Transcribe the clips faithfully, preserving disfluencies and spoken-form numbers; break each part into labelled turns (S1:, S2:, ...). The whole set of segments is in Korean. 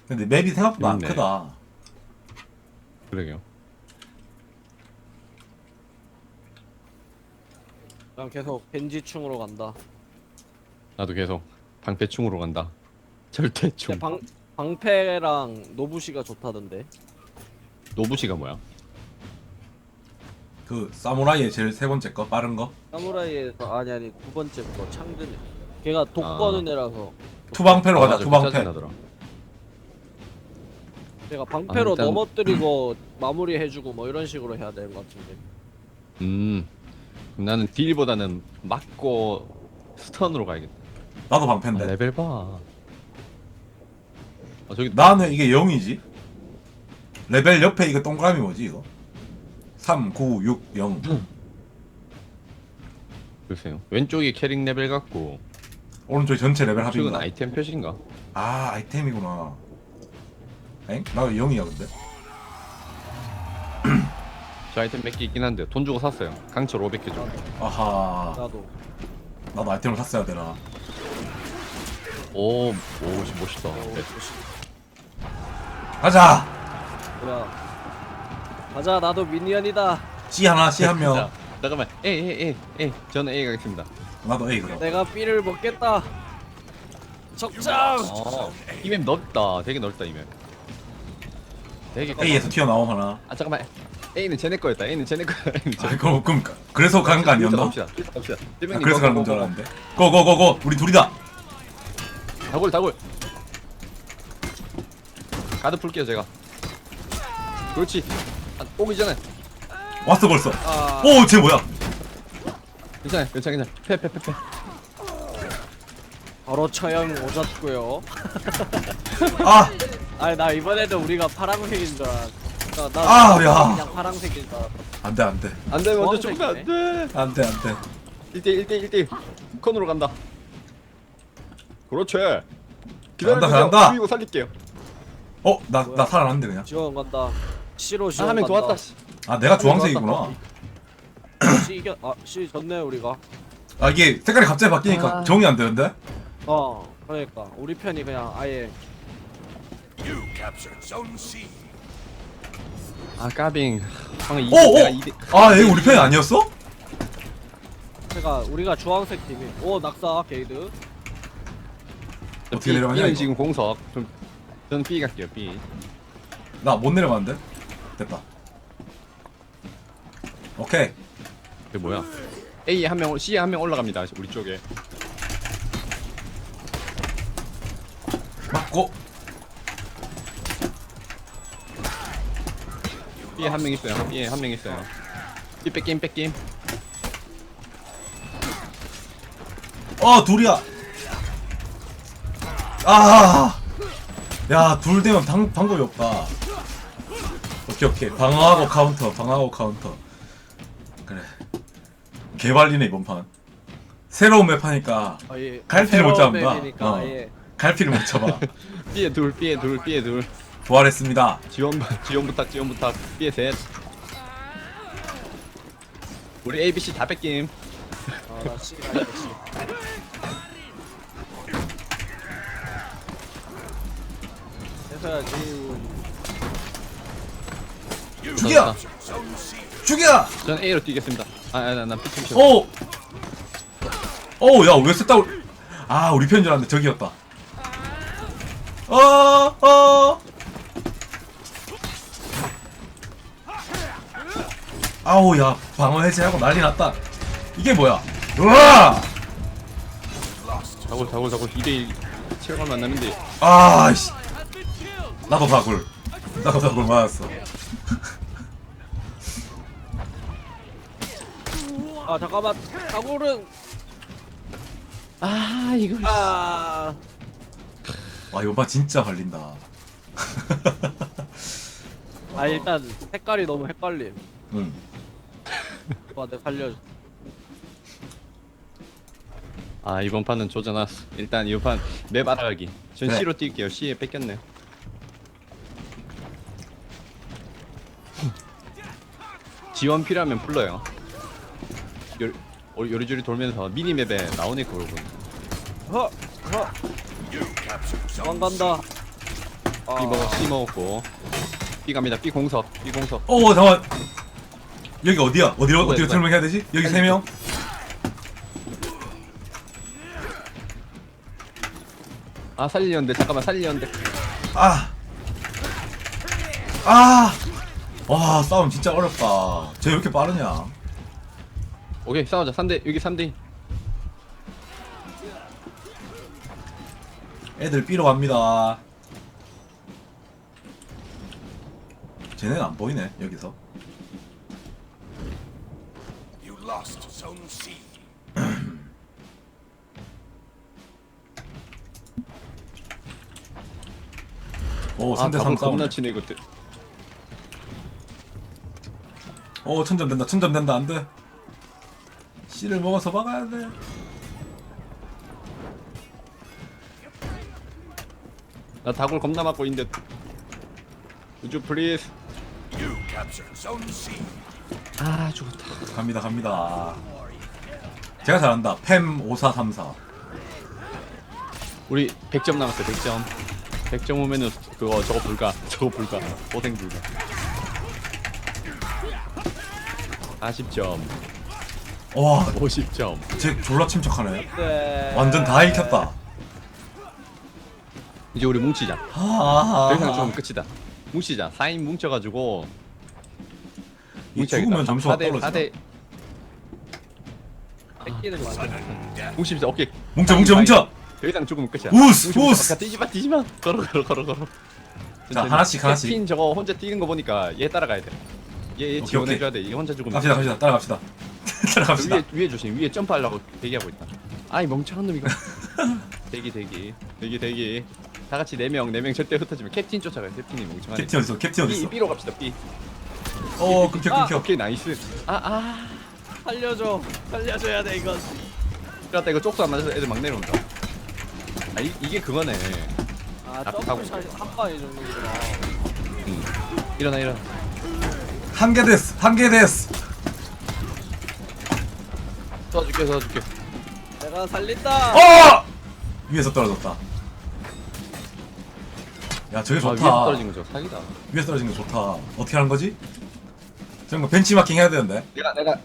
S1: 근데 맵이 생각보다 안
S2: 재밌네.
S1: 크다.
S2: 그러게요.
S3: 난 계속 벤지충으로 간다.
S2: 나도 계속 방패충으로 간다. 절대충.
S3: 근데 방 방패랑 노부시가 좋다던데.
S2: 노부시가 뭐야?
S1: 그 사무라이의 제일 세 번째 거 빠른 거.
S3: 사무라이에서 아니 아니 두 번째 거 창든. 걔가 독 거는 애라서.
S1: 투방패로 가자.
S2: 맞아,
S1: 투방패.
S2: 짜증나더라.
S3: 걔가 방패로
S2: 아, 일단-
S3: 넘어뜨리고 마무리해주고 뭐 이런 식으로 해야 되는 것 같은데.
S2: 음. 그럼 나는 딜보다는 맞고 스턴으로 가야겠다.
S1: 나도
S2: 아,
S1: 방패인데.
S2: 레벨 봐. 아, 저기
S1: 나는 이게 영이지. 레벨 옆에 이거 동그라미 뭐지 이거? 삼, 구, 육, 영.
S2: 글쎄요. 왼쪽이 캐릭 레벨 같고
S1: 오른쪽이 전체 레벨
S2: 오른쪽은
S1: 합인가?
S2: 아이템 표시인가?
S1: 아 아이템이구나. 엥? 나 왜 영이야 근데?
S2: 저 아이템 몇 개 있긴 한데 돈 주고 샀어요. 강철 오백 개 줘.
S1: 아하.
S3: 나도.
S1: 나도 아이템을 샀어야 되나?
S2: 오, 오, 멋있다.
S3: 어,
S2: 네.
S1: 가자.
S3: 뭐야. 가자 나도 미니언이다.
S1: C 하나, C 한 명.
S2: 자, 잠깐만. A, A, A, A. 저는 A 가겠습니다.
S1: 나도 A 그럼.
S3: 내가 B를 먹겠다. 적장.
S2: 어, 이맵 넓다. 되게 넓다 이맵. 되게.
S1: A에서 튀어나옴 하나.
S2: 아 잠깐만. A는 쟤네 거였다. A는 쟤네 거야. A는 쟤네
S1: 아 그럼 그럼 그래서 가는 거 아니었나?
S2: 갑시다. 갑시다.
S1: 아, 그래서 가는 건 줄 알았는데. 고고고고 우리 둘이다.
S2: 다골 다골. 가드 풀게요 제가. 그렇지. 아, 오기 전에.
S1: 왔어 벌써.
S3: 아.
S1: 오, 쟤 뭐야?
S2: 괜찮아, 괜찮아, 괜찮아. 패, 패, 패, 패.
S3: 바로 처형 오졌고요.
S1: 아,
S3: 아니 나 이번에도 우리가 파란색인 줄 알았. 나, 나
S1: 아, 야.
S3: 그냥 파란색인 줄 알았.
S1: 안돼 안돼
S2: 안 돼, 먼저
S3: 주황색이네.
S2: 죽으면 안 돼.
S1: 안돼 안돼.
S2: 일 대 일, 일 대 일, 일 대 일. 컨으로 간다. 그렇지. 기다려.
S1: 간다, 간다.
S2: 죽이고 살릴게요.
S1: 어, 나 나
S3: 뭐야?
S1: 살아났는데 그냥.
S3: 지원 간다. C로
S2: 아,
S3: 지원
S2: 한 명
S3: 간다.
S2: 도왔다. 씨.
S1: 아, 내가 주황색이구나.
S3: C 이겨. 아 C 졌네 우리가.
S1: 아, 이게 색깔이 갑자기 바뀌니까
S2: 아.
S1: 정이 안 되는데?
S3: 어 그러니까 우리 편이 그냥 아예
S2: 아, 까빙. 방금 이
S1: 오, 오!
S2: 내가 이 대-
S1: 아, 얘 우리 편이 아니었어?
S3: 제가 우리가 주황색 팀이. 오 낙사 게이드.
S1: 어떻게
S2: B,
S1: 내려가냐,
S2: B는
S1: 이거?
S2: 지금 공석. 좀 저는 B 갈게요. B.
S1: 나 못 내려가는데? 됐다. 오케이.
S2: 그 뭐야? A 한 명, C 한 명 올라갑니다. 우리 쪽에.
S1: 맞고.
S2: B에 한 명 있어요. B에 한 명 있어요. B 뺏김 뺏김.
S1: 어, 둘이야. 아, 야, 둘 되면 방, 방법이 없다. 오케이, 오케이. 방어하고 카운터, 방어하고 카운터. 그래. 개발리네, 이번 판. 새로운 맵 하니까
S3: 아예.
S1: 갈피를 못 잡는다.
S3: 맵이니까
S1: 어.
S3: 아예.
S1: 갈피를 못 잡아.
S2: B에 둘, B에 둘, B에 둘.
S1: 부활했습니다.
S2: 지원 지원 부탁, 지원 부탁. B에 셋. 우리 A, B, C 다 뺏김.
S3: 아나 C 가야겠지. 해서야지.
S1: 죽여! 죽여!
S2: 저는 A로 뛰겠습니다. 아, 아, 난 B 좀
S1: 오! 오, 야, 왜 셌다고. 아, 우리 편인 줄 알았는데 저기였다. 어, 어. 아우, 야, 방어 해제하고 난리 났다. 이게 뭐야? 우와!
S2: 다골, 다골, 다골. 이 대 일. 체력을 만나는데.
S1: 아, 씨. 나도 다굴. 나도 다굴 맞았어.
S3: 아 잠깐만. 다굴은.
S2: 아, 이거.
S3: 아.
S1: 와, 이거 봐, 진짜 걸린다.
S3: 아 일단 색깔이 너무 헷갈림.
S1: 응.
S3: 와 내가 살려줘.
S2: 아, 이번 판은 조져놨어. 일단 이번 판 맵 알아가기. 전
S1: 그래.
S2: C로 뛸게요. C에 뺏겼네요. 지원 필요하면 불러요. 요, 어, 요리조리 돌면서 미니맵에 나오네 그걸 보니.
S3: 허! 허! 도망간다. 아,
S2: B 먹어 C 먹었고 B 갑니다. B 공석 B 공석.
S1: 어 잠깐. 여기 어디야? 어디로
S2: 누구야,
S1: 어디로
S2: 누구야?
S1: 설명해야 되지? 여기 세 명.
S2: 아 살리려는데 잠깐만 살리려는데.
S1: 아. 아. 와 싸움 진짜 어렵다. 쟤 왜 이렇게 빠르냐?
S2: 오케이 싸우자. 삼 대 여기 삼 대.
S1: 애들 B로 갑니다. 쟤네는 안 보이네 여기서.
S4: You lost Zone C.
S1: 오
S2: 아
S1: 삼 대 삼
S2: 답은 겁나
S1: 싸움.
S2: 치네 이것들.
S1: 오 천점 된다 천점 된다 안돼. C를 먹어서 막아야 돼.
S2: 나 다굴 겁나 맞고 있는데. 우주 플리즈.
S4: You captured Zone C.
S2: 아 죽었다.
S1: 갑니다 갑니다. 제가 잘한다. 팸 오사삼사.
S2: 우리 백 점 남았어. 백 점. 백 점 오면은 그거 저거 불가. 저거 불가. 고생 불가. 사십 점.
S1: 와,
S2: 오십 점.
S1: 쟤 졸라 침착하네.
S3: 네.
S1: 완전 다 익혔다.
S2: 이제 우리 뭉치자.
S1: 아,
S2: 더 이상 죽으면 끝이다. 뭉치자. 사 인 뭉쳐가지고
S1: 이 죽으면 점수가 떨어져.
S2: 사 대
S3: 뺏기는 거 아니야?
S4: Sudden death.
S2: 뭉칩시다. 오케이.
S1: 뭉쳐 뭉쳐 뭉쳐.
S2: 더 이상 죽으면 끝이야.
S1: 우스,
S2: 뭉쳐, 뭉쳐.
S1: 우스.
S2: 아까 뛰지마 뛰지마. 걸어 걸어 걸어 걸어.
S1: 자, 하나씩, 하나씩.
S2: 캡틴 저거 혼자 뛰는 거 보니까 얘 따라가야 돼. 얘, 얘
S1: 오케이,
S2: 지원해줘야 돼. 얘 혼자 죽으면.
S1: 갑시다 갑시다 따라갑시다. 따라갑시다.
S2: 위에 위에 조심. 위에 점프하려고 대기하고 있다. 아이 멍청한 놈 이거. 대기 대기 대기 대기. 다 같이 네 명 네 명 절대 흩어지면 캡틴 쫓아가요. 캡틴이 멍청하네.
S1: 캡틴 어딨어? 캡틴
S2: B
S1: 어딨어?
S2: B로 갑시다. B.
S1: 어 끊겨
S3: 아,
S1: 끊겨.
S2: 오케이 나이스. 아 아.
S3: 살려줘. 살려줘야 돼 이건.
S2: 그렇다 이거 쪽수 안 맞아서 애들 막 내려온다. 아 이, 이게 그거네.
S3: 아
S2: 아,
S3: 점프
S2: 하고
S3: 샷한 방에 정도구나.
S2: 응. 일어나 일어나.
S1: 한개 됐어 한개 됐어.
S2: 쏴줄게 쏴줄게.
S3: 내가 살린다.
S1: 어! 위에서 떨어졌다. 야 저게
S2: 아
S1: 좋다.
S2: 위에서 떨어진 거죠. 사기다.
S1: 위에서 떨어진 거 좋다. 어떻게 하는 거지? 저런 거 벤치마킹 해야 되는데.
S2: 내가 내가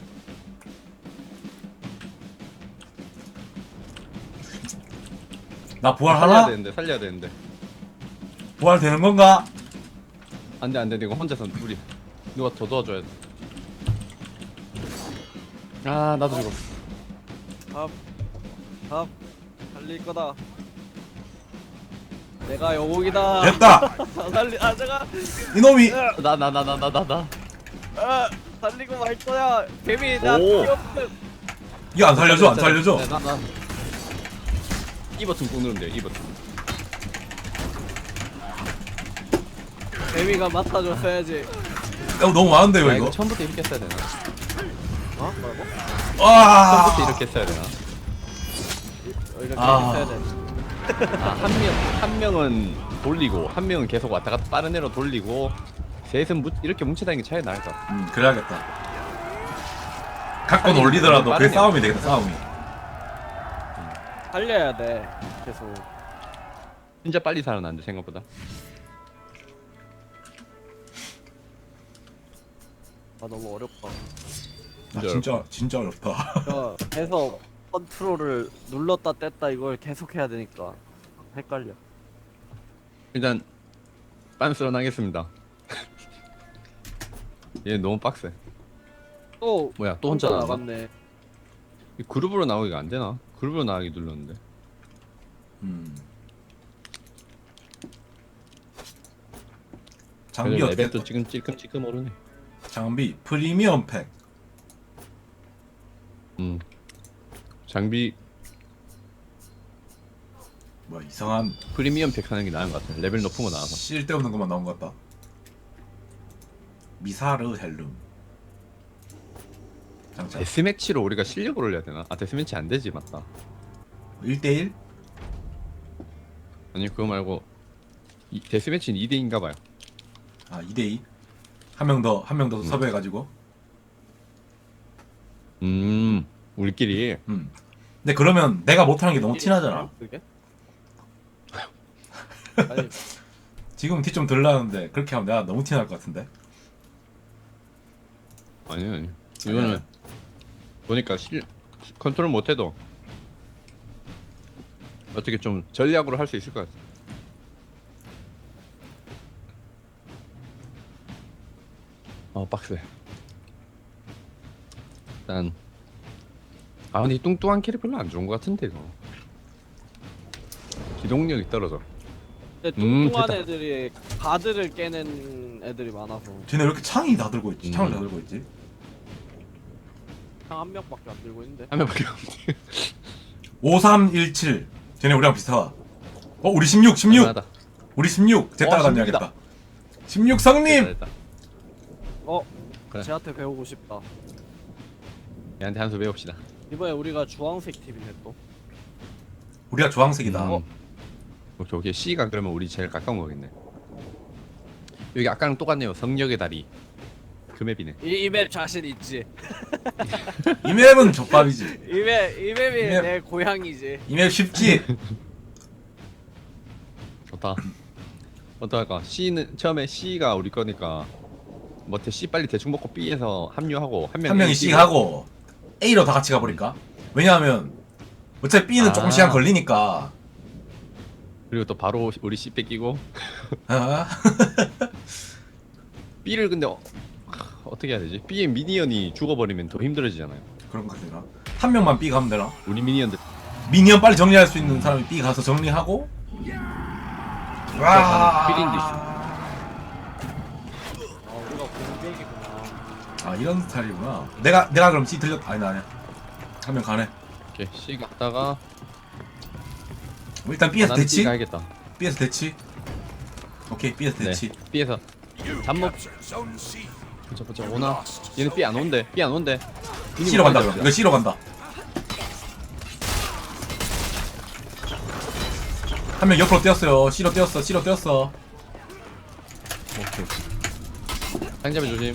S1: 나 부활
S2: 살려야
S1: 하나?
S2: 되는데 살려야 되는데.
S1: 부활 되는 건가?
S2: 안돼 안돼 이거 혼자서 우리 누가 더 도와줘야 돼. 아 나도 죽었어.
S3: 답. 답. 살릴 거다. 내가 영웅이다.
S1: 됐다.
S3: 다 살리. 아 제가.
S1: 이놈이
S2: 나 나 나 나 나 나 나.
S3: 아 살리고 말 거야. 개미 나
S2: 오.
S3: 귀엽음.
S1: 이거 안 살려줘 안 살려줘.
S2: 네, 나, 나. 이 버튼 꾹 누르면 돼요. 이 버튼.
S3: 개미가 맡아줬어야지.
S1: 야, 너무 많은데
S2: 야,
S1: 이거
S2: 이거
S1: 이거.
S2: 처음부터 이렇게 써야 되나?
S3: 어? 뭐라고?
S1: 와.
S2: 처음부터 이렇게 써야 되나?
S3: 어, 이렇게
S1: 아.
S3: 해야 돼.
S2: 아, 한 명, 한 명은 돌리고, 한 명은 계속 왔다 갔다 빠른 애로 돌리고, 셋은 무, 이렇게 뭉쳐다니는 게 차이 나겠다.
S1: 음 그래야겠다. 갖고 놀리더라도 그게
S2: 빠르네.
S1: 싸움이 되겠다 싸움이.
S3: 살려야 돼. 계속.
S2: 진짜 빨리 살아나는데, 생각보다.
S3: 아 너무 어렵다.
S1: 나 진짜 진짜 어렵다.
S3: 야, 해서 컨트롤을 눌렀다 뗐다 이걸 계속 해야 되니까 헷갈려.
S2: 일단, 빤스런 하겠습니다. 얘 너무 빡세.
S3: 또
S2: 뭐야, 또 혼자 나왔나?
S3: 나갔네.
S2: 이 그룹으로 나오기가 안 되나? 그룹으로 나가기 눌렀는데.
S1: 음. 장비
S2: 그래도
S1: 어때?
S2: 레벨도 지금 찔끔찔끔 오르네.
S1: 장비 프리미엄 팩.
S2: 음. 장비
S1: 뭐 이상한
S2: 프리미엄 팩 하는 게 나은 것 같아. 레벨 높은 거 나와서.
S1: 쓸데없는 것만 나온 것 같다. 미사르 헬름. 장착.
S2: 데스매치로 우리가 실력을 올려야 되나? 아 데스매치 안 되지 맞다.
S1: 일 대일?
S2: 아니 그거 말고 이, 데스매치는 이 대인가 봐요.
S1: 아 이 대이? 한 명 더 한 명 더
S2: 음.
S1: 섭외해가지고.
S2: 음 우리끼리.
S1: 음. 근데 그러면 내가 못하는 게 너무 티나잖아.
S3: 그게? 아니
S1: 지금 티 좀 덜 나는데 그렇게 하면 내가 너무 티 날 것 같은데.
S2: 아니 아니. 이거는 보니까 실 컨트롤 못해도 어떻게 좀 전략으로 할 수 있을 것 같아. 어 빡세. 일단 아 근데 이 뚱뚱한 캐릭 별로 안 좋은 것 같은데 이거. 기동력이 떨어져.
S3: 근데
S2: 음,
S3: 뚱뚱한
S2: 됐다.
S3: 애들이 가드를 깨는 애들이 많아서
S1: 쟤네 왜 이렇게 창이 다 들고 있지? 창을
S2: 음.
S1: 다 들고 있지?
S3: 한 한 명밖에 안 들고 있는데.
S2: 한 명밖에 없지.
S1: 오삼일칠. 쟤네 우리랑 비슷하다. 어 우리 십육 십육.
S2: 할만하다.
S1: 우리 십육. 쟤
S2: 어,
S1: 따라다녀야겠다. 십육 성님.
S2: 됐다, 됐다.
S3: 어?
S2: 그래.
S3: 쟤한테 배우고 싶다.
S2: 얘한테 한 수 배웁시다.
S3: 이번에 우리가 주황색 팀이네 또.
S1: 우리가 주황색이다.
S2: 음. 오케이 오케이. C가 그러면 우리 제일 가까운 거겠네. 여기 아까랑 똑같네요. 성력의 다리. 그 맵이네.
S3: 이, 이 맵 자신 있지?
S1: 이 맵은 족밥이지.
S3: 이 맵, 이 맵이
S1: 이 맵.
S3: 내 고향이지.
S1: 이 맵 쉽지.
S2: 좋다. 어떡할까? C는 처음에 C가 우리 거니까 뭐대 C 빨리 대충 먹고 B에서 합류하고 한,
S1: 한 명이 C 하고 A로 다 같이 가버릴까? 왜냐하면 어차피 B는
S2: 아.
S1: 조금 시간 걸리니까.
S2: 그리고 또 바로 우리 C 뺏기고
S1: 아?
S2: B를 근데 어, 어떻게 해야 되지? B의 미니언이 죽어버리면 더 힘들어지잖아요.
S1: 그런 거 되나? 한 명만 B 가면 되나?
S2: 우리 미니언들
S1: 미니언 빨리 정리할 수 있는 사람이 B 가서 정리하고. 와.
S2: 필인데
S3: 아 우리가 공격이구나.
S1: 아 이런 스타일이구나. 내가 내가 그럼 C 들렸. 아니 나 아니야. 한 명 가네.
S2: 오케이 C 갔다가
S1: 뭐 일단 B에서
S2: 아, 나는
S1: 대치.
S2: B 가야겠다.
S1: B에서 대치. 오케이 B에서
S2: 네.
S1: 대치.
S2: B에서
S4: You
S2: 잠복.
S4: captured Zone C.
S2: 보자 보자 오나. 얘는 B 안 온대. B 안 온대.
S1: C로 간다 그럼. 이거 C로 간다. 한 명 옆으로 뛰었어요. C로 뛰었어. C로 뛰었어.
S2: 오케이. 상점에 조심.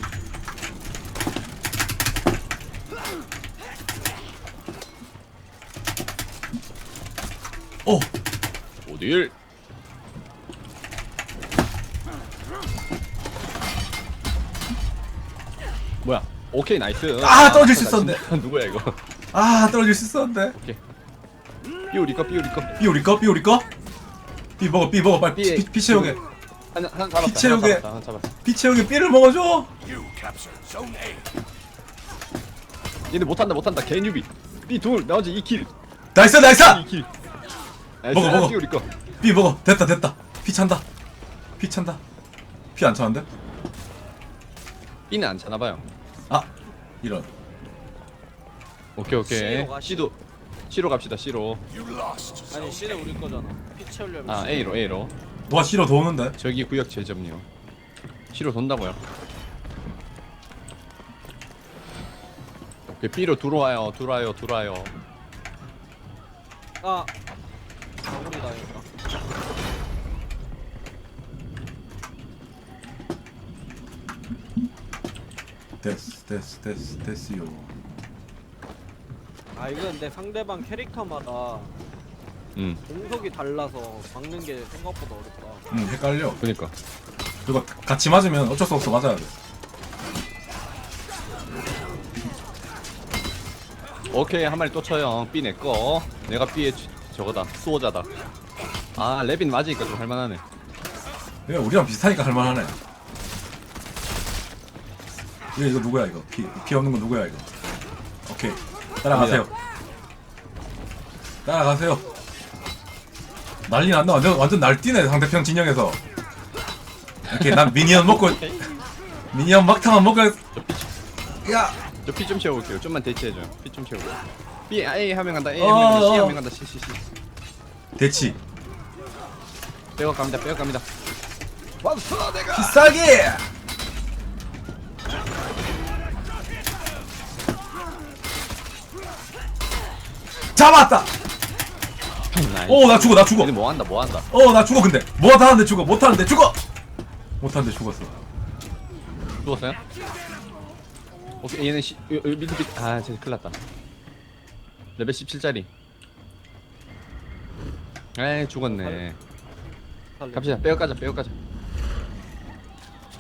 S1: 오.
S2: 어딜? 뭐야? 오케이 나이스.
S1: 아, 떨어질 수 있었는데.
S2: 누구야 이거?
S1: 아 떨어질 수 있었는데.
S2: B 우리 거 B 우리 거.
S1: B 우리 거? B 우리 거? B 먹어 B 먹어 빨리
S2: B에
S1: 피, 피 채우게.
S2: 하나 하나 잡았다.
S1: 피채우게.
S2: 하나 잡았다. 하나 잡았다.
S1: 피 채우게 B를 먹어줘.
S4: You captured Zone A.
S2: 얘네 못한다 못한다. 개뉴비. B 둘 나머지 이 킬.
S1: 나이스 나이스.
S2: 이 킬. 나이스.
S1: 먹어, 먹어.
S2: B 우리 거.
S1: B 먹어. 됐다 됐다. 피 찬다. 피 찬다. 피 안 차는데?
S2: B는 안 차나 봐요.
S1: 아 이런.
S2: 오케이 오케이.
S3: C로 가,
S2: C도 C로 갑시다. C로.
S4: You lost Zone
S3: 아니 C는 우리 거잖아. 피 채우려면
S2: 아
S3: C.
S2: A로 A로.
S1: 누가 C로 도우는데?
S2: 저기 구역 제점요. C로 돈다고요. 오케이 B로 들어와요. 들어와요. 들어와요.
S3: 아 마무리 당했다.
S1: 됐어 됐어 됐어 됐어요.
S3: 아 이거 근데 상대방 캐릭터마다
S2: 음.
S3: 공속이 달라서 막는 게 생각보다 어렵다.
S1: 응 헷갈려.
S2: 그니까.
S1: 그리고 같이 맞으면 어쩔 수 없어 맞아야 돼.
S2: 오케이 한 마리 또 쳐요. B 내꺼. 내가 B의 주- 저거다. 수호자다. 아 레빈 맞으니까 좀 할만하네.
S1: 그냥 우리랑 비슷하니까 할만하네. 이거 이거 누구야 이거? 피, 피 없는 거 누구야 이거? 오케이 따라가세요. 따라가세요. 난리 났나? 완전 완전 날뛰네 상대편 진영에서. 오케이 난 미니언 먹고 미니언 막타만 먹고. 야.
S2: 저 피 좀 채워볼게요. 좀만 대치해줘요. 피 좀 채우고. B A 한 명 간다. A
S1: 어,
S2: 한 명 간다. C
S1: 어.
S2: 한 명 간다. C C C.
S1: 대치.
S2: 빼고 갑니다. 빼고 갑니다. 왔어 내가.
S1: 비싸게. 잡았다. 오 나 죽어 나 죽어.
S2: 얘네 뭐 한다 뭐 한다.
S1: 어 나 죽어 근데 뭐 하는데 죽어 못 하는데 죽어 못 하는데 죽었어.
S2: 죽었어요? 오케이 얘는 시, 요, 요 밑에 밑에 아쟤 큰일났다. 레벨 십칠짜리. 에이 죽었네.
S3: 살려.
S2: 갑시다. 빼고 가자. 빼고 가자.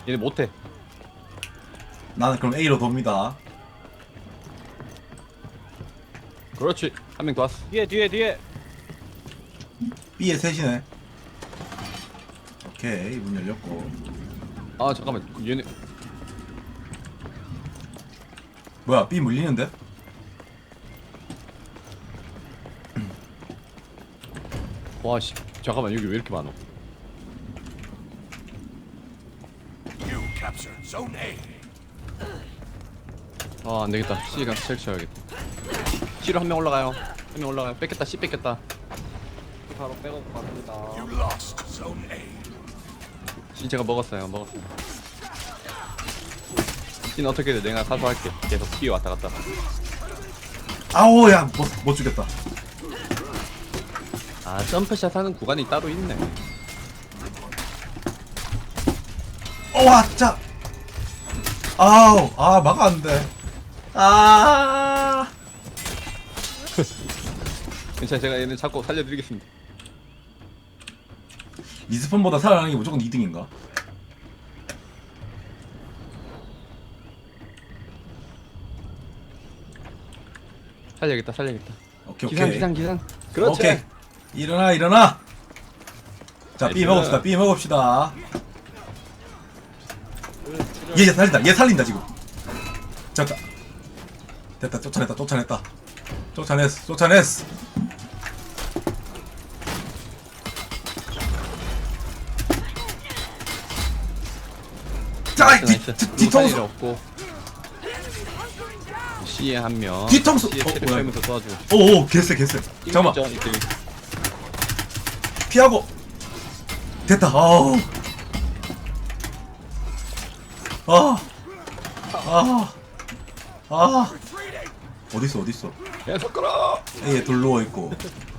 S2: 얘네 못해.
S1: 나는 그럼 A로 돕니다.
S2: 그렇지. 한 명 더 왔어.
S3: 뒤에 뒤에 뒤에.
S1: B에 셋이네. 오케이 문 열렸고.
S2: 아 잠깐만. 얘네
S1: 뭐야 B 물리는데?
S2: 와씨. 잠깐만 여기 왜 이렇게 많어?
S4: You captured Zone A.
S2: 아 안되겠다. C가 셀쳐야겠다. C로 한 명 올라가요. 한 명 올라가요. 뺏겼다. C 뺏겼다.
S3: 바로 백업 갑니다.
S4: You lost Zone A.
S2: C 제가 먹었어요. 먹었어요. C는 어떻게든 내가 사수할게. 계속 B 왔다 갔다.
S1: 아우 야못 못 죽였다.
S2: 아 점프샷 하는 구간이 따로 있네.
S1: 어와 짜. 아우 아 막아 안 돼. 아.
S2: 괜찮아. 제가 얘는 잡고 살려드리겠습니다.
S1: 리스폰보다 살아나는 게 무조건 이 등인가?
S2: 살려야겠다. 살려야겠다.
S1: 오케이
S2: 기상
S1: 오케이.
S2: 기상 기상. 그렇지.
S1: 오케이. 일어나 일어나. 자 B
S2: 나이스.
S1: 먹읍시다. B 먹읍시다. 얘, 얘 살린다. 얘 살린다 지금. 됐다. 됐다. 쫓아냈다. 쫓아냈다. 쫓아냈어. 쫓아냈어. 자, 뒤,
S2: 나이스.
S1: 뒤,
S2: 누구 살릴 일
S1: 뒤통수.
S2: 없고. C에 한 명.
S1: 뒤통수.
S2: C에
S1: 어,
S2: 체력
S1: 뭐야.
S2: 채우면서 도와줘.
S1: 오, 오, 개쎄, 개쎄. 잠깐만.
S2: 있죠, 이때.
S1: 피하고. 됐다. 아우. 아. 아. 아. 어딨어, 어딨어.
S2: 계속 끌어.
S1: A에 돌 누워 있고.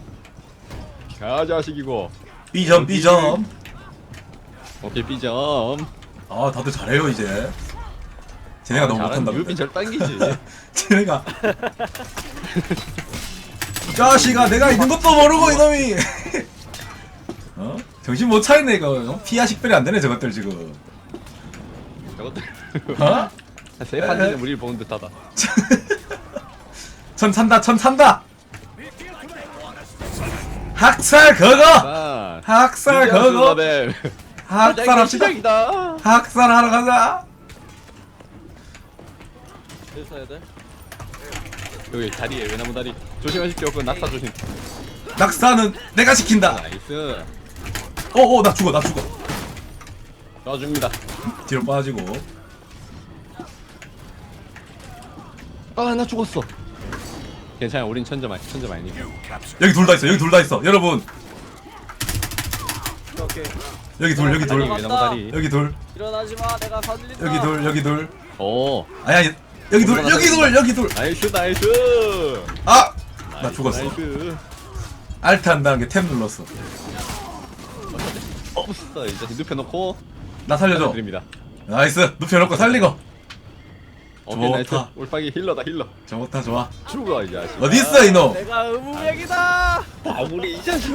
S2: 가 자식이고.
S1: B점, B점.
S2: 오케이 B점.
S1: 아, 다들 잘해요 이제. 쟤네가 너무 못한다.
S2: 유빈
S1: 근데.
S2: 절 당기지.
S1: 쟤네가. 이 자식아, 내가 있는 것도 모르고 이놈이. 어? 정신 못 차리네 이거. 어? 피하 식별이 안 되네 저것들 지금.
S2: 저것들.
S1: 어?
S2: 세 판지는 우리를 보는 듯하다.
S1: 천 산다, 천 산다. 학살 그거.
S2: 아.
S1: 학살 그거. 학살합시다.
S2: 시작이다.
S1: 학살하러 가자.
S3: 여기서 해야 돼?
S2: 여기 다리에 외나무 다리. 조심하십시오. 그 낙사 조심.
S1: 낙사는 내가 시킨다.
S2: 나이스.
S1: 어어 나 죽어 나 죽어.
S2: 쏴줍니다.
S1: 뒤로 빠지고.
S2: 아 나 죽었어. 괜찮아. 우린 천점 아니 천점 아니니.
S4: You captured.
S1: 여기 둘 다 있어. 여기 둘 다 있어. 여러분
S3: 오케이.
S1: 여기 둘 여기 둘
S2: 다리 외나무 다리.
S1: 여기 둘
S3: 일어나지 마. 내가 살린다.
S1: 여기 둘 여기 둘.
S2: 오.
S1: 아니 아니 여기 둘 여기 둘 여기 둘.
S2: 나이스 나이스.
S1: 아! 나
S2: 나이스,
S1: 죽었어.
S2: 나이스.
S1: 알트 한다는 게 탭 눌렀어.
S2: 없어. 이제 눕혀놓고
S1: 나 살려줘.
S2: 드립니다.
S1: 나이스. 눕혀놓고 살리고.
S2: 오케이 나이스.
S1: 좋다.
S2: 올빵이 힐러다 힐러.
S1: 좋다 좋아.
S2: 죽어 이 자식.
S1: 어딨어 이놈.
S3: 내가 의무백이다.
S2: 마무리 이 자식.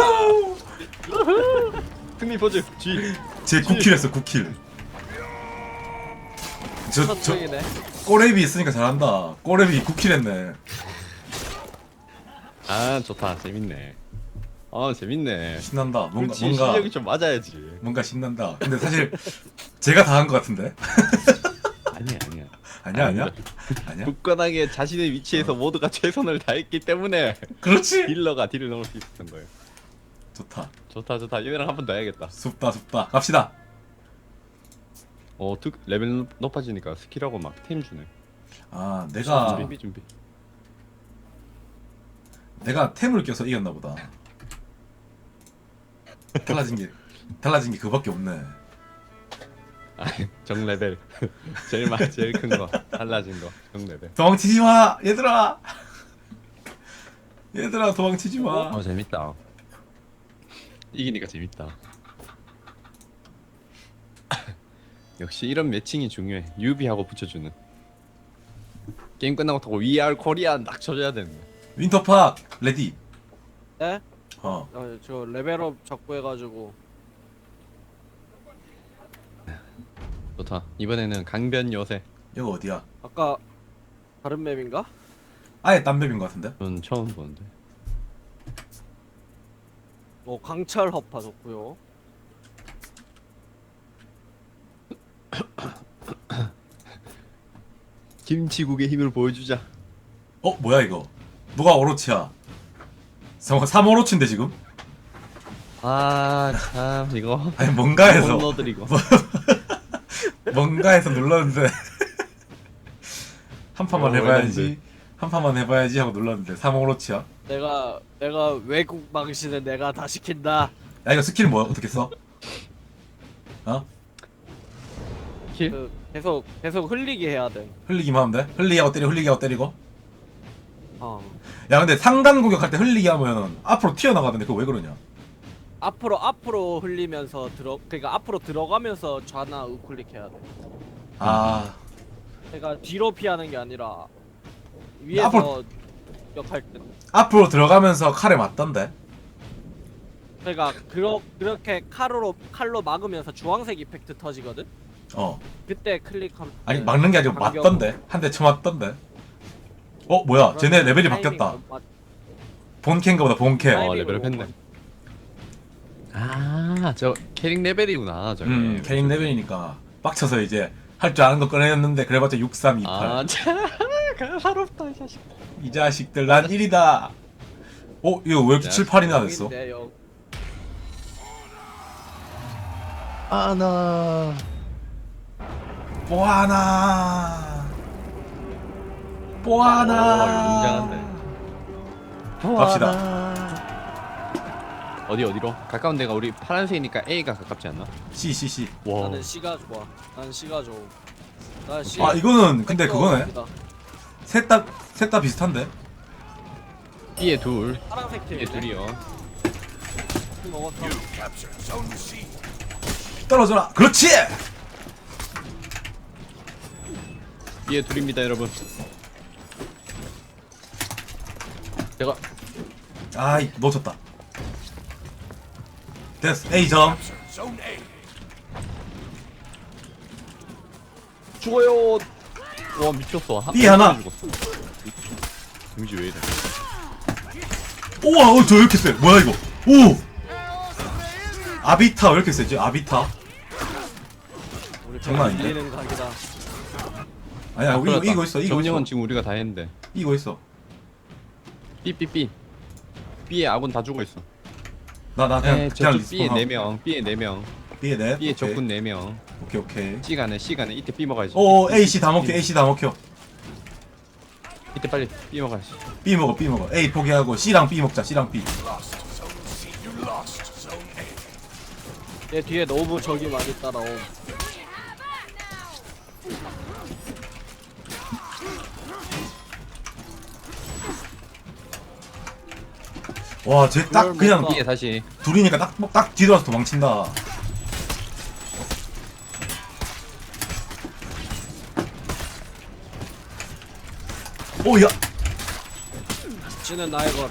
S2: 승리 포즈. G.
S1: 제 구킬 했어 구킬. 저 저
S3: 첫중이네.
S1: 꼬레비 있으니까 잘한다. 꼬레비 구킬 했네.
S2: 아 좋다. 재밌네. 아 재밌네.
S1: 신난다. 뭔가
S2: 그렇지
S1: 뭔가
S2: 실력이 좀 맞아야지.
S1: 뭔가 신난다. 근데 사실 제가 다 한 것 같은데.
S2: 아니야 아니야.
S1: 아니야 아니야 아니야.
S2: 굳건하게 자신의 위치에서 모두가 최선을 다했기 때문에
S1: 그렇지.
S2: 딜러가 딜을 넣을 수 있었던 거예요.
S1: 좋다.
S2: 좋다 좋다. 얘네랑 한 번 더 해야겠다.
S1: 숲다 숲다. 갑시다.
S2: 어 특 레벨 높아지니까 스킬하고 막 템 주네.
S1: 아 내가
S2: 준비 준비.
S1: 내가 템을 껴서 이겼나 보다. 달라진 게 달라진 게 그밖에 없네.
S2: 정 레벨 제일 막 제일 큰 거 달라진 거정 레벨.
S1: 도망치지 마 얘들아. 얘들아 도망치지 마.
S2: 어 재밌다. 이기니까 재밌다. 역시 이런 매칭이 중요해. 유비하고 붙여주는. 게임 끝나고 타고 We are Korean 딱 쳐줘야 되는 거야.
S1: 윈터팍 레디.
S3: 네?
S1: 어.
S3: 어, 저 레벨업 적고 해가지고
S2: 좋다. 이번에는 강변 요새.
S1: 여기 어디야?
S3: 아까 다른 맵인가?
S1: 아예 딴 맵인 것 같은데?
S2: 전 처음 보는데.
S3: 뭐 강철 허파 좋고요.
S2: 김치국의 힘을 보여주자.
S1: 어 뭐야 이거? 누가 오로치야? 삼 오로치인데 지금?
S2: 아 참 이거.
S1: 아니 뭔가 해서
S2: 너들 이거.
S1: 뭔가 해서 눌렀는데 한 판만
S2: 어,
S1: 해봐야지
S2: 이건데.
S1: 한 판만 해봐야지 하고 눌렀는데 삼 오로치야?
S3: 내가 내가 외국 방신은 내가 다 시킨다.
S1: 야 이거 스킬 뭐야? 어떻게 써? 어?
S2: 킬?
S3: 그 계속 계속 흘리게 해야 돼.
S1: 흘리기만 하면 돼? 흘리기 하고 때리고 흘리기 하고 때리고
S3: 어.
S1: 야 근데 상단 공격할 때 흘리기 하면 앞으로 튀어나가던데 그거 왜 그러냐?
S3: 앞으로 앞으로 흘리면서 들어 그러니까 앞으로 들어가면서 좌나 우클릭 해야 돼.
S1: 아
S3: 그러니까 뒤로 피하는 게 아니라 위에서
S1: 앞으로-
S3: 역할 때.
S1: 앞으로 들어가면서 칼에 맞던데?
S3: 그러니까 그러, 그렇게 칼로 칼로 막으면서 주황색 이펙트 터지거든.
S1: 어
S3: 그때 클릭하면
S1: 아니 막는 게 아니고
S3: 반격-
S1: 맞던데? 한 대 쳐맞던데? 어 뭐야 쟤네 레벨이
S3: 타이밍
S1: 바뀌었다
S3: 못 맞-
S1: 본캐인가 보다 본캐
S3: 타이밍을
S2: 어, 레벨
S3: 못
S2: 했네.
S3: 맞-
S2: 아저 캐릭 레벨이구나 저게.
S1: 음 캐릭 레벨이니까 빡쳐서 이제 할 줄 아는 거 꺼내었는데 그래봤자 육삼이팔
S2: 아 참. 가사롭다 이 자식.
S1: 이 자식들 난 일이다. 어 이거 왜 이렇게
S2: 야,
S1: 칠, 팔이나 됐어?
S3: 영인데, 영.
S2: 아나.
S1: 뽀하나
S2: 오,
S1: 뽀하나
S2: 웅장한데.
S1: 갑시다.
S2: 어디 어디로? 가까운 데가 우리 파란색이니까 A가 가깝지 않나?
S1: C C C
S2: 와.
S3: 나는 C가 좋아. 난 C가 좋아. 난 C.
S1: 아 이거는 근데 그거네
S3: 땡겨갑니다.
S1: 셋 다 셋 다 비슷한데?
S2: B에 둘.
S3: 파란색 팀.
S2: B에 둘이요.
S3: 먹었어.
S4: You captured Zone C.
S1: 떨어져라 그렇지!
S2: B에 둘입니다 여러분. 제가
S1: 아이 놓쳤다 됐어 A점
S4: Captured Zone A.
S2: 죽어요. 와 미쳤어. 한
S1: B 하나.
S2: 죽었어. 데미지 왜 이래?
S1: 우와 어, 저 왜 이렇게 세 뭐야 이거 오 아비타 왜 이렇게 세지 아비타
S3: 우리
S1: 장난 아닌데?
S3: 밀리는 각이다.
S1: 아니야 이거,
S2: 그렇다.
S1: 이거 있어 이거
S2: 정령은
S1: 있어
S2: 지금 우리가 다 했는데.
S1: 이거 있어
S2: B B B. B에 아군 다 죽어 있어.
S1: 나 나 그냥
S2: 에
S1: 그냥
S2: 저쪽 B에
S1: 리스폰하고.
S2: 네 명. B에 네 명.
S1: B에 넷
S2: B에
S1: 오케이.
S2: 적군 네 명.
S1: 오케이 오케이
S2: C가네 C가네 이때 B 먹어야지.
S1: 오 A C 다 먹혀 A C 다 먹혀
S2: 이때 빨리 B 먹어야지.
S1: B 먹어 B 먹어 A 포기하고 C랑 B 먹자 C랑 B
S4: Lost Zone C. You lost Zone A.
S3: 내 뒤에 너무 적이 많이 따라옴.
S1: 와 쟤 딱
S3: 그걸
S1: 그냥
S3: 뭔가-
S2: B에 다시.
S1: 둘이니까 딱 딱 뒤돌아서 도망친다 오야
S3: C는 나의 것.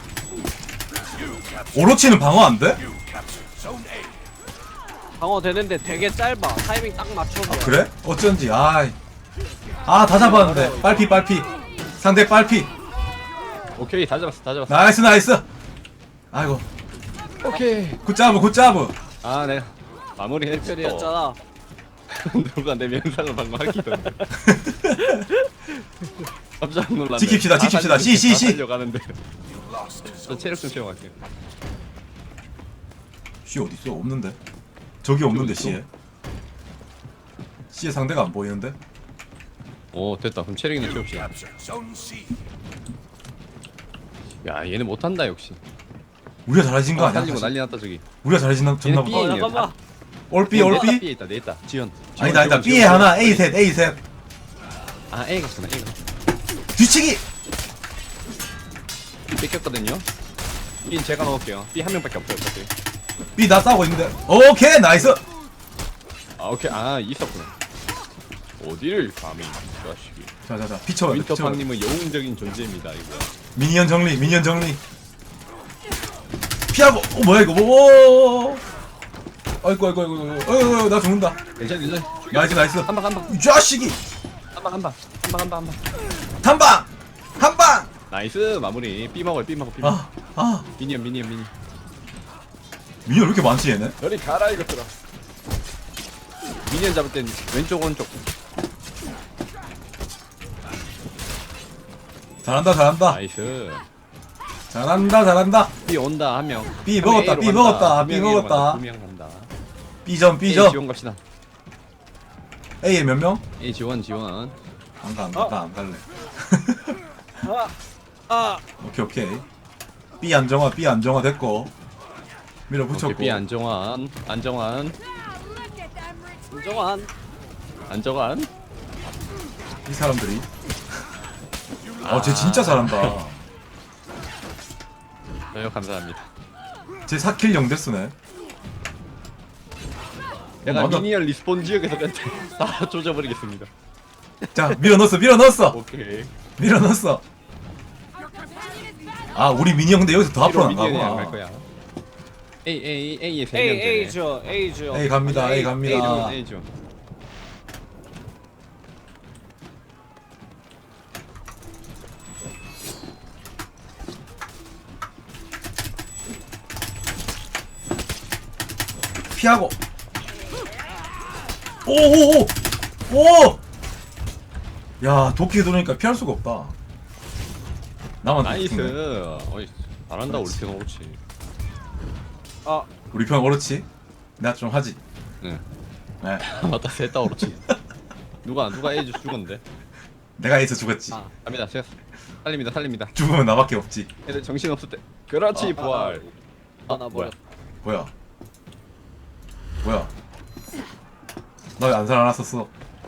S1: 오로치는 방어 안 돼?
S4: You captured Zone A.
S3: 방어 되는데 되게 짧아. 타이밍 딱 맞춰서.
S1: 그래? 어쩐지 아이 아다 잡았는데 빨피 빨피 상대 빨피
S2: 오케이 다 잡았어 다 잡았어.
S1: 나이스 나이스 아이고
S2: 오케이.
S1: 굿자브 굿자브
S2: 아 내가 마무리 했어.
S3: 별이었잖아.
S2: 누가 내 명상을 방금 하기던데. 깜짝 놀랐네.
S1: 지킵시다, 지킵시다. 씨, 씨, 씨.
S2: 려가는데
S4: You lost
S2: 저
S4: Zone
S2: 체력 좀 채워갈게요.
S1: C 어딨어? 없는데? 저기 없는데
S2: 어딨어?
S1: C에 C에 상대가 안 보이는데?
S2: 오 됐다. 그럼 체력이나 채웁시다.
S4: captured Zone C.
S2: 야 얘네 못한다 역시.
S1: 우리가 잘해진 거
S2: 어,
S1: 아니야?
S2: 살리고
S1: 사실?
S2: 난리 났다 저기.
S1: 우리가 잘해졌나
S2: 얘네
S1: 졌나
S2: B
S1: 보다
S2: 에
S3: 어
S2: 있네요.
S3: 잠깐만.
S1: 올비 올비?
S2: B에 있다 내 있다. 지연. 지원,
S1: 아니다 아니다
S2: 지원,
S1: B에
S2: 지원.
S1: 하나 A 셋 A 셋
S2: 아 A 갔구나 A 가.
S1: 뒤치기!
S2: B 뺏겼거든요. B는 제가 넣을게요. B 한 명밖에 없어요 어차피.
S1: B 나 싸우고 있는데 오케이 나이스!
S2: 아 오케이 아 있었구나. 어디를 감히 이 자식이.
S1: 자자자 피쳐봐 피쳐봐
S2: 윈터팡님은 영웅적인 존재입니다 이거.
S1: 미니언 정리 미니언 정리 피하고 어 뭐야 이거 뭐 아이고 아이고 아이고 아이고 아이고 나 죽는다.
S2: 괜찮아 괜찮아.
S1: 나이스 나이스.
S2: 한방 한방
S1: 이 자식이.
S2: 한방 한방 한방 한방 한방.
S1: 한 방! 한 방!
S2: 나이스 마무리. B 먹어요 B 먹어 B 먹어.
S1: 아, 아.
S2: 미니언 미니언 미니언.
S1: 미니언 왜 이렇게 많지 얘네?
S2: 저리 가라 이것들아. 미니언 잡을 땐 왼쪽 오른쪽.
S1: 잘한다 잘한다.
S2: 나이스.
S1: 잘한다 잘한다.
S2: B 온다 한 명.
S1: B
S2: 한 명
S1: 먹었다,
S2: A로
S1: B
S2: 간다.
S1: 먹었다,
S2: 두
S1: B
S2: 명 A로
S1: 먹었다.
S2: 간다. 두명 간다.
S1: B점
S2: A
S1: B점.
S2: 지원 갑시다.
S1: A에 몇 명?
S2: A 지원 지원.
S1: 안가 안가 나 안 갈래.
S3: 아, 아,
S1: 오케이 오케이. B 안정화 B 안정화 됐고. 밀어붙였고.
S2: 오케이 B 안정환 안정환
S3: 인정한.
S2: 안정환.
S1: 이 사람들이. 어쟤 진짜 잘한다.
S2: 저요 감사합니다.
S1: 쟤 사 킬 영 데스네.
S2: 내가
S1: 맞아.
S2: 미니언 리스폰 지역에서 멘트 다 조져버리겠습니다.
S1: 자 밀어 넣었어 밀어 넣었어
S2: 오케이.
S1: 밀어 넣었어. 아 우리 미니 형인데 여기서 더 앞으로 안
S2: 미니언이 안갈
S1: 가구나.
S2: 거야. A A A에 세
S3: A
S2: 명.
S3: A 죠 A 죠.
S1: A 갑니다 A
S2: A
S1: 갑니다.
S2: 죠 A 죠.
S1: 피하고. 오오오 오. 야 도끼 들어오니까 피할 수가 없다. 나만
S2: 나이스.
S1: 도끼네.
S2: 어이 잘한다 우리
S1: 그렇지.
S2: 팀 그렇지.
S3: 아,
S1: 우리 편 그렇지. 내가 좀 하지.
S2: 응.
S1: 네.
S2: 맞다 셋다 그렇지. 누가 누가 A 주 죽었는데.
S1: 내가 에이스 죽었지.
S3: 아.
S2: 갑니다. 제가 살립니다 살립니다.
S1: 죽으면 나밖에 없지.
S2: 애들 정신 없을 때. 그렇지
S3: 아,
S2: 부활.
S3: 아,
S2: 어,
S3: 나
S2: 뭐야?
S3: 버렸.
S1: 뭐야? 뭐야? 나 왜 안 살아났었어?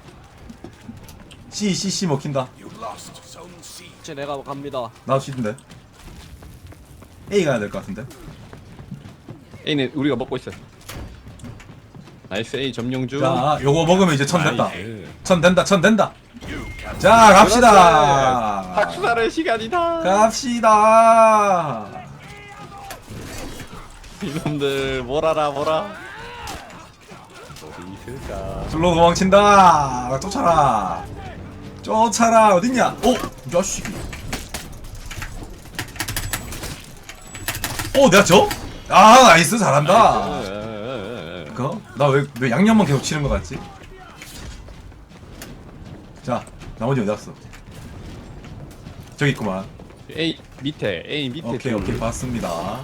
S1: C C C 먹힌다.
S4: You lost Zone C.
S3: 혹시 내가 갑니다.
S1: 나도 C인데. A 가야 될 것 같은데.
S2: A는 우리가 먹고 있어. 나이스 A 점령주.
S1: 자, 요거 먹으면 이제 천 됐다.
S2: 나이스.
S1: 천 된다. 천 된다.
S4: You can
S1: 자, 갑시다.
S2: 학살의 시간이다.
S1: 갑시다.
S2: 이놈들 뭐라라 뭐라. 어디 있을까?
S1: 둘로 도망친다. 쫓아라. 쫓아라. 어딨냐? 오, 이 자식이. 오, 내가 져? 아, 나이스. 잘한다.
S2: 나이스.
S1: 그거? 나 왜 왜 양념만 계속 치는 거 같지? 자, 나머지 어디 갔어? 저기 있구만.
S2: A 밑에 A 밑에.
S1: 오케이,
S2: 둘.
S1: 오케이, 봤습니다.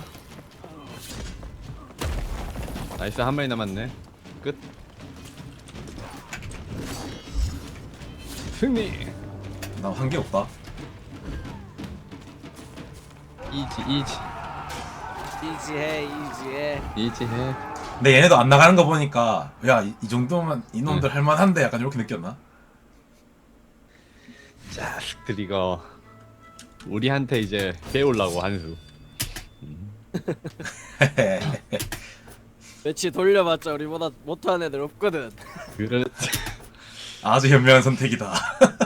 S2: 나이스 한 마리 남았네. 끝. 승리.
S1: 나 한 게 없다.
S2: 이지 이지
S3: 이지해, 이지해.
S2: 이지해.
S1: 근데 얘네도 안 나가는 거 보니까 야, 이, 이 정도면 이놈들 할만한데 약간 이렇게 느꼈나?
S2: 자식들 이거 우리한테 이제 배우려고 한 수.
S3: 매치 돌려봤자 우리보다 못하는 애들 없거든.
S2: 그렇지.
S1: 아주 현명한 선택이다.